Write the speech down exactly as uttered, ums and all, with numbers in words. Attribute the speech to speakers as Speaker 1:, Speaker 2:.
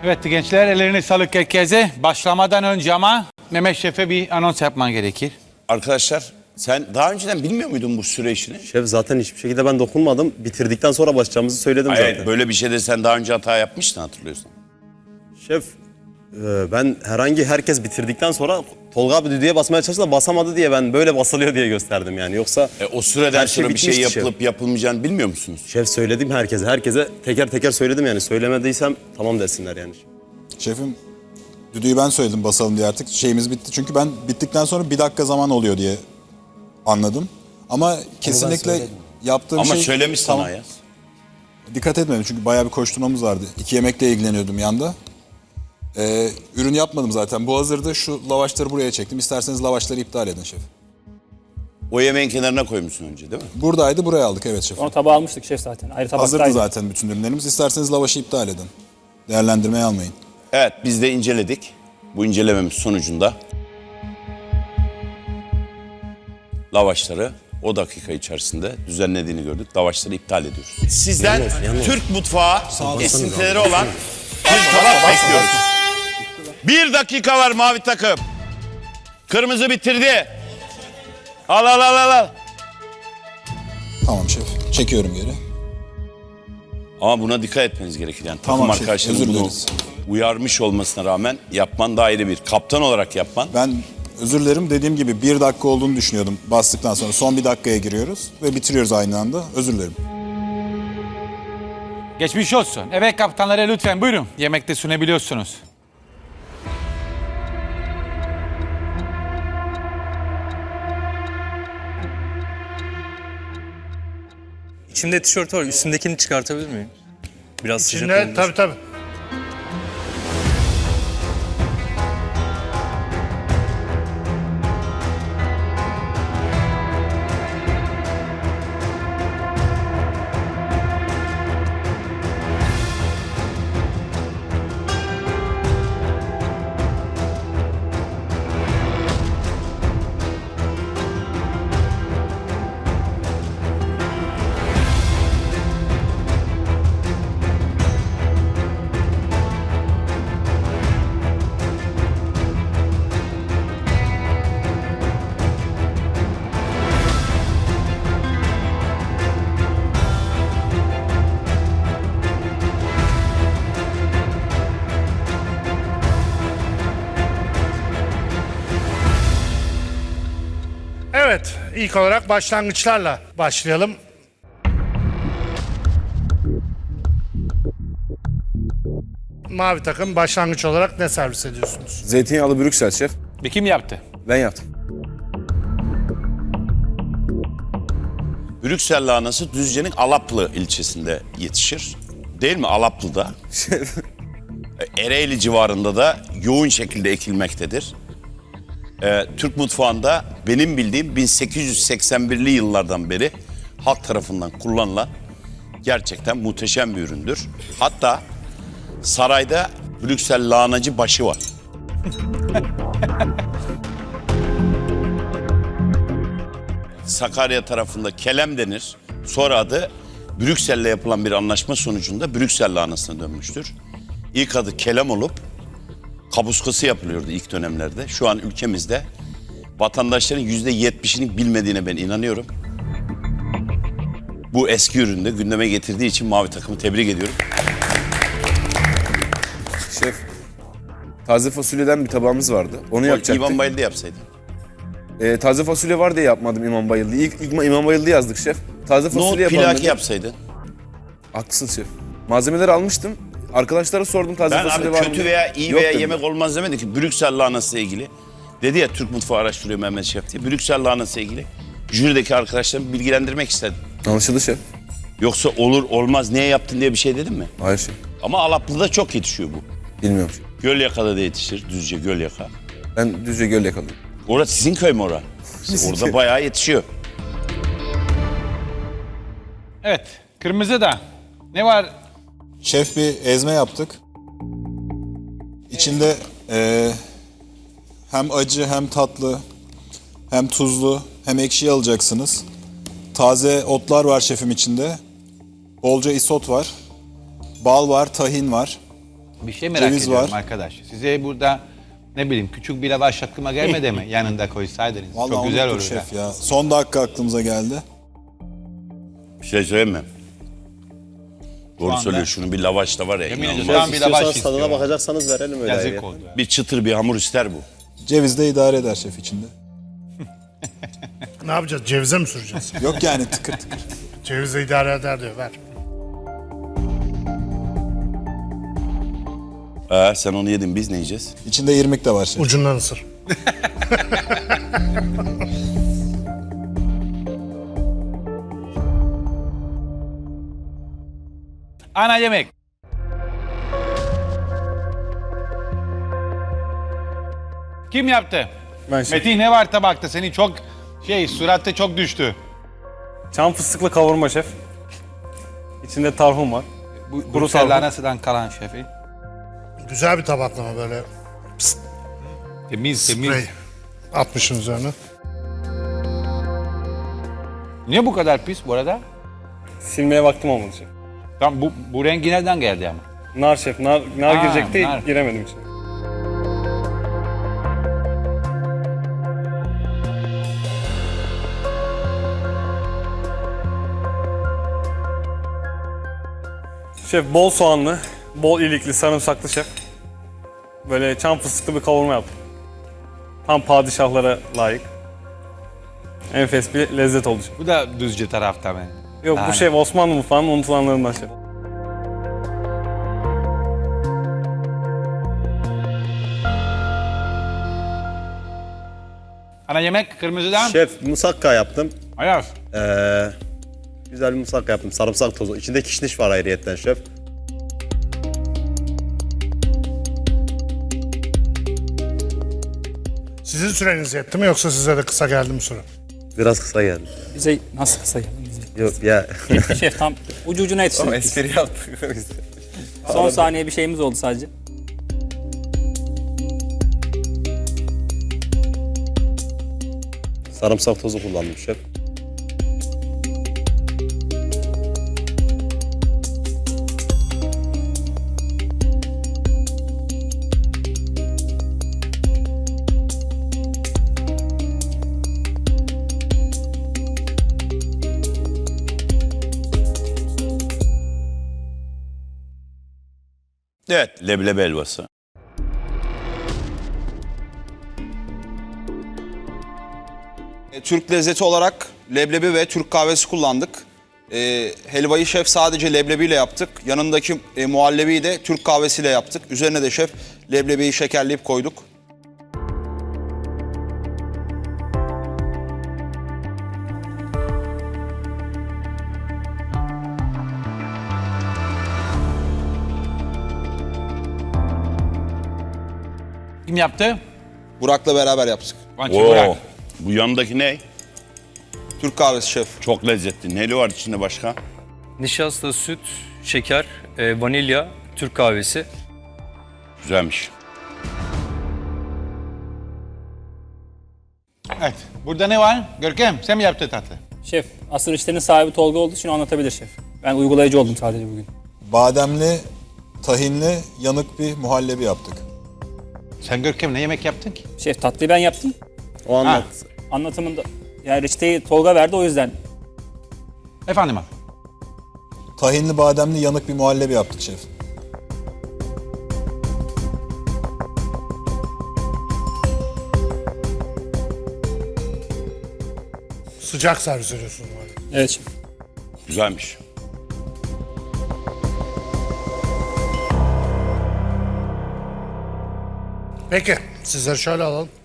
Speaker 1: Evet gençler, ellerine sağlık herkese. Başlamadan önce ama Mehmet Şef'e bir anons yapman gerekir.
Speaker 2: Arkadaşlar sen daha önceden bilmiyor muydun bu süre işini?
Speaker 3: Şef zaten hiçbir şekilde ben dokunmadım. Bitirdikten sonra başlayacağımızı söyledim
Speaker 2: Hayır,
Speaker 3: zaten.
Speaker 2: böyle bir şeyde sen daha önce hata yapmıştın, hatırlıyorsun.
Speaker 3: Şef e, ben herhangi herkes bitirdikten sonra Tolga abi düdüğe basmaya çalıştı da basamadı diye ben böyle basılıyor diye gösterdim yani. Yoksa
Speaker 2: E, o süreden
Speaker 3: her şey
Speaker 2: sonra bir şey
Speaker 3: bitmişti
Speaker 2: yapılıp
Speaker 3: şef.
Speaker 2: yapılmayacağını bilmiyor musunuz?
Speaker 3: Şef söyledim herkese. Herkese teker teker söyledim yani. Söylemediysem tamam desinler yani.
Speaker 4: Şefim, düdüğü ben söyledim basalım diye, artık şeyimiz bitti. Çünkü ben bittikten sonra bir dakika zaman oluyor diye anladım. Ama kesinlikle yaptığım
Speaker 2: Ama
Speaker 4: şey...
Speaker 2: söylemiş sana
Speaker 4: Tamam.
Speaker 2: Ayaz.
Speaker 4: Dikkat etmedim çünkü bayağı bir koşturmamız vardı. İki yemekle ilgileniyordum yanda. Ee, ürün yapmadım zaten. Bu hazırdı. Şu lavaşları buraya çektim. İsterseniz lavaşları iptal edin şef.
Speaker 2: O yemeğin kenarına koymuşsun önce değil mi?
Speaker 4: Buradaydı, buraya aldık. Evet şef.
Speaker 5: Onu tabağa almıştık şef zaten. Ayrı tabaktaydı.
Speaker 4: Hazırdı zaten bütün ürünlerimiz. İsterseniz lavaşı iptal edin. Değerlendirmeye almayın.
Speaker 2: Evet, biz de inceledik. Bu incelememiz sonucunda lavaşları o dakika içerisinde düzenlediğini gördük. Lavaşları iptal ediyoruz. Sizden
Speaker 3: Yalnız, yalnız.
Speaker 2: Türk mutfağı esintileri olan bir tabak bekliyoruz. Bir dakika var mavi takım. Kırmızı bitirdi. Al al al al. al.
Speaker 4: Tamam şef. Çekiyorum geri.
Speaker 2: Ama buna dikkat etmeniz gerekir. Yani
Speaker 4: Tamam
Speaker 2: takım
Speaker 4: şef,
Speaker 2: arkadaşlarının
Speaker 4: özür
Speaker 2: bunu
Speaker 4: dileriz.
Speaker 2: uyarmış olmasına rağmen yapman da ayrı bir. Kaptan olarak yapman.
Speaker 4: Ben özür dilerim, dediğim gibi bir dakika olduğunu düşünüyordum bastıktan sonra. Son bir dakikaya giriyoruz ve bitiriyoruz aynı anda. Özür dilerim.
Speaker 1: Geçmiş olsun. Evet kaptanlara lütfen buyurun. Yemekte sunabiliyorsunuz.
Speaker 6: İçimde tişört var. Üstümdekini çıkartabilir miyim? Biraz sıcak
Speaker 7: İçinde
Speaker 6: olmuş.
Speaker 7: tabii tabii. Evet, ilk olarak başlangıçlarla başlayalım. Mavi takım, başlangıç olarak ne servis ediyorsunuz?
Speaker 8: Zeytinyağlı Brüksel şef.
Speaker 1: Bir kim yaptı?
Speaker 8: Ben yaptım.
Speaker 2: Brüksel lahanası Düzce'nin Alaplı ilçesinde yetişir. Değil mi? Alaplı'da. Ereğli civarında da yoğun şekilde ekilmektedir. Ee, Türk mutfağında benim bildiğim bin sekiz yüz seksen birli yıllardan beri halk tarafından kullanılan gerçekten muhteşem bir üründür. Hatta sarayda Brüksel lahanacı başı var. Sakarya tarafında kelem denir. Sonra adı Brüksel'le yapılan bir anlaşma sonucunda Brüksel lahanasına dönmüştür. İlk adı kelem olup kapuskası yapılıyordu ilk dönemlerde. Şu an ülkemizde vatandaşların yüzde yetmişini bilmediğine ben inanıyorum. Bu eski üründe gündeme getirdiği için mavi takımı tebrik ediyorum.
Speaker 8: Şef, taze fasulyeden bir tabağımız vardı. Onu yapacaktık.
Speaker 2: İvan Bayıldı yapsaydın.
Speaker 8: Ee, taze fasulye var diye yapmadım İmam Bayıldı. İlk, ilk İmam Bayıldı yazdık şef. Taze
Speaker 2: Nohut
Speaker 8: fasulye yapalım
Speaker 2: pilaki
Speaker 8: dedim.
Speaker 2: yapsaydın.
Speaker 8: Haklısın şef. Malzemeleri almıştım. Arkadaşlara sordum taze
Speaker 2: Ben
Speaker 8: fasulye
Speaker 2: abi
Speaker 8: var mı
Speaker 2: kötü
Speaker 8: diye.
Speaker 2: veya iyi
Speaker 8: Yok
Speaker 2: veya
Speaker 8: dediler.
Speaker 2: yemek olmaz demedi ki. Brüksel lahanası ile ilgili. Dedi ya Türk mutfağı araştırıyor Mehmet Şef diye. Brüksel lahanası ile ilgili jürideki arkadaşlarımı bilgilendirmek istedim.
Speaker 8: Anlaşıldı şef.
Speaker 2: Yoksa olur olmaz niye yaptın diye bir şey dedim mi?
Speaker 8: Hayır şef.
Speaker 2: Ama Alaplı'da çok yetişiyor bu.
Speaker 8: Bilmiyorum şef.
Speaker 2: Gölyaka'da da yetişir. Düzce Gölyaka.
Speaker 8: Ben Düzce Göl yakalıyım.
Speaker 2: Orası sizin köy mü ora? Orada bayağı yetişiyor.
Speaker 1: Evet. Kırmızı da. Ne var?
Speaker 4: Şef, bir ezme yaptık. İçinde eee, hem acı hem tatlı hem tuzlu hem ekşi alacaksınız. Taze otlar var şefim içinde. Bolca isot var. Bal var, tahin var.
Speaker 1: Bir şey merak
Speaker 4: Ceviz
Speaker 1: ediyorum
Speaker 4: var.
Speaker 1: arkadaş. Size burada ne bileyim küçük bir lavaş aklıma gelmedi mi? Yanında koysaydınız.
Speaker 4: Vallahi
Speaker 1: Çok güzel
Speaker 4: unuttuk
Speaker 1: olur.
Speaker 4: şef ya. Son dakika aklımıza geldi.
Speaker 2: Bir şey söyleyeyim mi? Doğru
Speaker 1: anda-
Speaker 2: söylüyor. Şunu bir lavaş da var ya.
Speaker 1: Yemin
Speaker 2: inanılmaz.
Speaker 1: ediyorum. Tam bir lavaş
Speaker 3: İstiyorsanız tadına
Speaker 1: istiyorum.
Speaker 3: bakacaksanız verelim öyle.
Speaker 1: Yazık
Speaker 3: ya.
Speaker 1: oldu. ya.
Speaker 2: Bir çıtır bir hamur ister bu.
Speaker 4: Ceviz de idare eder şef içinde.
Speaker 7: Ne yapacağız? Cevize mi süreceğiz?
Speaker 4: Yok yani tıkır tıkır.
Speaker 7: Cevize idare eder diyor. Ver.
Speaker 2: Ee, sen onu yedin, biz ne yiyeceğiz?
Speaker 4: İçinde irmik de var şef.
Speaker 7: Ucundan ısır.
Speaker 1: Ana yemek. Kim yaptı?
Speaker 6: Ben şef.
Speaker 1: Metin ne var tabakta? Senin çok şey suratte çok düştü.
Speaker 6: Çam fıstıklı kavurma şef. İçinde tarhun var.
Speaker 1: Bu
Speaker 6: Kuru
Speaker 1: Brüksel
Speaker 6: sarma.
Speaker 1: lahanasından kalan şefi.
Speaker 7: Güzel bir tabaklama böyle.
Speaker 1: Temiz temiz.
Speaker 7: Sprey atmışın üzerine.
Speaker 1: Niye bu kadar pis bu arada?
Speaker 6: Silmeye vaktim olmadı şef.
Speaker 1: Tam bu, bu rengi nereden geldi ama?
Speaker 6: Nar şef. Nar, nar
Speaker 1: Ha,
Speaker 6: girecekti.
Speaker 1: nar.
Speaker 6: Giremedim içine. Şef bol soğanlı, bol ilikli, sarımsaklı şef. Böyle çam fıstıklı bir kavurma yaptım. Tam padişahlara layık. Enfes bir lezzet oldu şef.
Speaker 1: Bu da düzce tarafta mı?
Speaker 6: Yok
Speaker 1: Daha
Speaker 6: bu
Speaker 1: ne?
Speaker 6: şef Osmanlı mutfağının unutulanlarından şef.
Speaker 1: Ana yemek kırmızıdan.
Speaker 3: Şef musakka yaptım.
Speaker 1: Ayaz.
Speaker 3: Ee, güzel bir musakka yaptım. Sarımsak tozu. İçinde kişniş var ayrıyetten şef.
Speaker 7: Sizin süreniz yetti mi yoksa size de kısa geldi mi süre?
Speaker 3: Biraz kısa geldi.
Speaker 5: Bize nasıl kısa geldi bize?
Speaker 3: Yok ya.
Speaker 5: Şef tam ucu ucuna yetiştirdik.
Speaker 8: Espri yaptık.
Speaker 5: Son saniye bir şeyimiz oldu sadece.
Speaker 3: Sarımsak tozu kullandım şef.
Speaker 2: Evet, leblebi helvası.
Speaker 9: E, Türk lezzeti olarak leblebi ve Türk kahvesi kullandık. E, helvayı şef sadece leblebiyle yaptık. Yanındaki e, muhallebiyi de Türk kahvesiyle yaptık. Üzerine de şef leblebiyi şekerleyip koyduk.
Speaker 1: Kim yaptı?
Speaker 9: Burak'la beraber yaptık.
Speaker 1: Vançı
Speaker 2: Oo,
Speaker 1: Burak.
Speaker 2: bu yanındaki ne?
Speaker 9: Türk kahvesi şef.
Speaker 2: Çok lezzetli. Neli var içinde başka?
Speaker 10: Nişasta, süt, şeker, e, vanilya, Türk kahvesi.
Speaker 2: Güzelmiş.
Speaker 1: Evet. Burada ne var? Görkem sen mi yaptın tatlı?
Speaker 5: Şef asıl işlerin sahibi Tolga olduğu için o anlatabilir şef. Ben uygulayıcı oldum sadece bugün.
Speaker 4: Bademli, tahinli, yanık bir muhallebi yaptık.
Speaker 1: Sen Görkem ne yemek yaptın ki?
Speaker 5: Şef tatlıyı ben yaptım.
Speaker 3: O anlat.
Speaker 5: Anlatımında yani reçeteyi Tolga verdi o yüzden.
Speaker 1: Efendim abi.
Speaker 4: Tahinli, bademli, yanık bir muhallebi yaptık şef.
Speaker 7: Sıcak servis ediyorsunuz. böyle.
Speaker 5: Evet şef.
Speaker 2: Güzelmiş.
Speaker 7: Peki sizleri şöyle alalım.